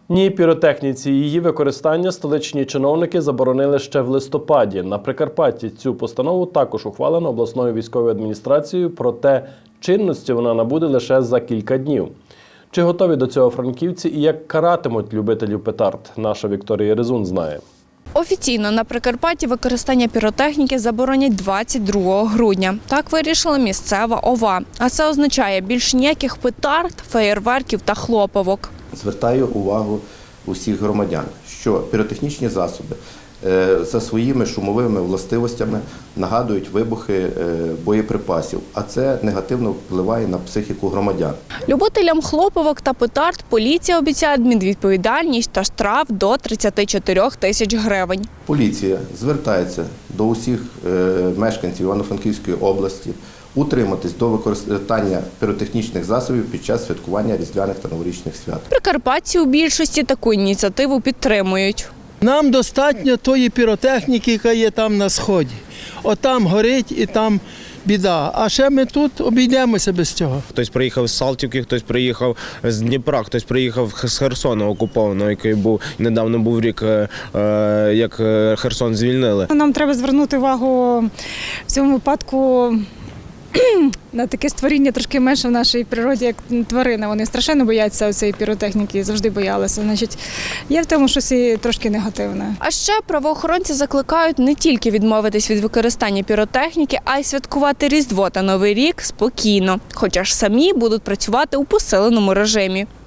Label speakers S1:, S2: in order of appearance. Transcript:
S1: Ні, піротехніці і її використання столичні чиновники заборонили ще в листопаді. На Прикарпатті цю постанову також ухвалено обласною військовою адміністрацією, проте чинності вона набуде лише за кілька днів. Чи готові до цього франківці і як каратимуть любителів петард, наша Вікторія Резун знає.
S2: Офіційно на Прикарпатті використання піротехніки заборонять 22 грудня. Так вирішила місцева ОВА. А це означає більш ніяких петард, феєрверків та хлопавок.
S3: Звертаю увагу усіх громадян, що піротехнічні засоби за своїми шумовими властивостями нагадують вибухи боєприпасів, а це негативно впливає на психіку громадян.
S2: Любителям хлопавок та петард поліція обіцяє адмінвідповідальність та штраф до 34 тисяч гривень.
S3: Поліція звертається до усіх мешканців Івано-Франківської області утриматись до використання піротехнічних засобів під час святкування різдвяних та новорічних свят.
S2: Прикарпатці у більшості таку ініціативу підтримують.
S4: Нам достатньо тої піротехніки, яка є там на сході. Отам горить і там біда. А ще ми тут обійдемося без цього.
S5: Хтось приїхав з Салтівки, хтось приїхав з Дніпра, хтось приїхав з Херсона окупованого, який недавно був рік, як Херсон звільнили.
S6: Нам треба звернути увагу в цьому випадку на таке створіння трошки менше в нашій природі, як тварини. Вони страшенно бояться цієї піротехніки, завжди боялися. Значить, є в тому щось і трошки негативне.
S2: А ще правоохоронці закликають не тільки відмовитись від використання піротехніки, а й святкувати Різдво та Новий рік спокійно, хоча ж самі будуть працювати у посиленому режимі.